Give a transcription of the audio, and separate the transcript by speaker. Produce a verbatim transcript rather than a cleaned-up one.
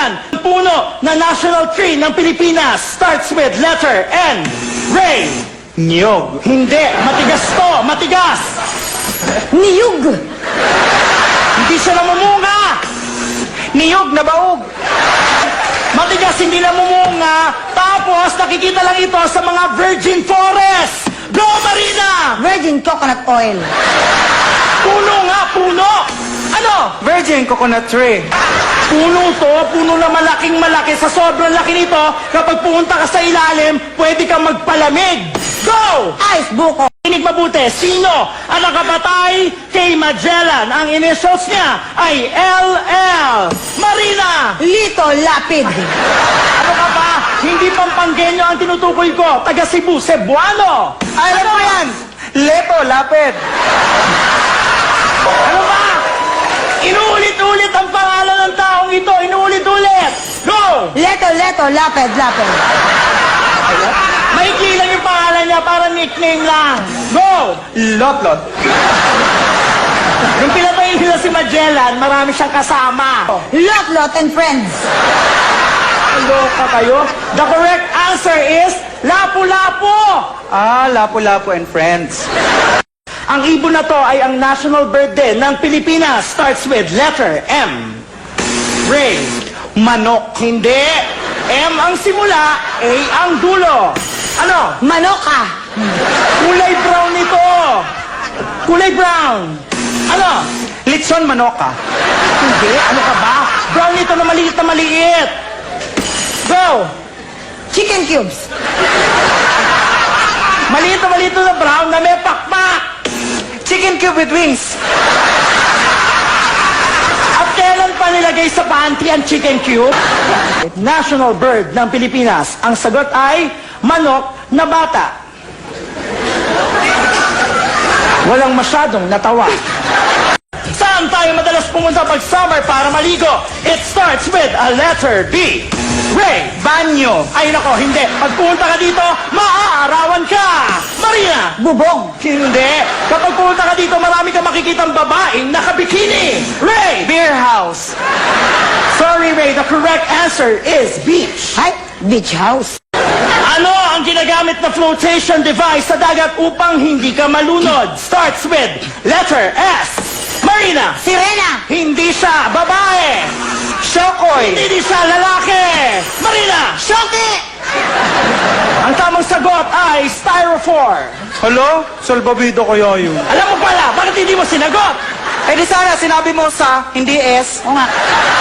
Speaker 1: yan. Puno na national tree ng Pilipinas starts with letter N. Ray.
Speaker 2: Niyog.
Speaker 1: Hindi. Matigas to. Matigas.
Speaker 3: Niyug.
Speaker 1: Hindi siya namumunga.
Speaker 2: Niyog na baog.
Speaker 1: Matigas, hindi namumunga. Tapos, nakikita lang ito sa mga virgin forest. Go, Marina!
Speaker 3: Virgin coconut oil.
Speaker 1: Puno nga, puno. Ano?
Speaker 2: Virgin coconut tree.
Speaker 1: Puno to, puno na malaking malaki. Sa sobrang laki nito, kapag pumunta ka sa ilalim, pwede kang magpalamig. Go!
Speaker 3: Ice buko.
Speaker 1: Inig mabuti, sino ang nakapatay kay Magellan? Ang initials niya ay L L. Marina!
Speaker 3: Lito lapid.
Speaker 1: Ano ka ba? Hindi Pampanggenyo ang tinutukoy ko. Taga Cebu, Cebuano.
Speaker 2: Alam mo yan. Leto, lapid.
Speaker 1: Ano ba? Inuulit-ulit ang pangalan ng taong ito. Inuulit-ulit. Go!
Speaker 3: Leto, leto, lapid, lapid.
Speaker 1: Maikli lang yung pangalan niya para nickname lang. Go!
Speaker 2: Lot-lot.
Speaker 1: Nung pinatay nila si Magellan, marami siyang kasama.
Speaker 3: Lot, lot, and friends.
Speaker 1: Loka kayo? The correct answer is Lapu-Lapu.
Speaker 2: Ah, Lapu-Lapu and friends.
Speaker 1: Ang ibon na to ay ang national bird din ng Pilipinas. Starts with letter M. Ray.
Speaker 2: Manok.
Speaker 1: Hindi. M ang simula, A ang dulo. Ano?
Speaker 3: Manoka.
Speaker 1: Kulay brown nito. Kulay brown. Ano?
Speaker 2: Litson manoka.
Speaker 1: Hindi. Ano ka ba? Brown nito na maliit na maliit. Go!
Speaker 3: Chicken cubes.
Speaker 1: Maliit na maliit na brown na may pakpak.
Speaker 2: Chicken cube with wings.
Speaker 1: At kailan pa nilagay sa panty ang chicken cube? National bird ng Pilipinas. Ang sagot ay manok na bata. Walang masyadong natawa. Saan tayo madalas pumunta pag summer para maligo? It starts with a letter B. Ray.
Speaker 2: Banyo.
Speaker 1: Ay nako, hindi. Pag pumunta ka dito, maaarawan ka. Marina.
Speaker 3: Bubong.
Speaker 1: Hindi. Kapag pumunta ka dito, marami kang makikitang babaeng nakabikini. Ray.
Speaker 2: Beer house.
Speaker 1: Sorry, Ray. The correct answer is beach.
Speaker 3: Ay, beach house.
Speaker 1: Ano ang ginagamit na flotation device sa dagat upang hindi ka malunod? Starts with letter S. Marina.
Speaker 3: Sirena.
Speaker 1: Hindi siya babae.
Speaker 2: Shokoy.
Speaker 1: Hindi siya lalaki. Marina.
Speaker 3: Shoki.
Speaker 1: Ang tamang sagot ay styrofoam.
Speaker 2: Hello? Salbabido kaya yun.
Speaker 1: Alam mo pala, bakit hindi mo sinagot?
Speaker 2: Eh di sana sinabi mo sa, hindi S.
Speaker 3: O nga.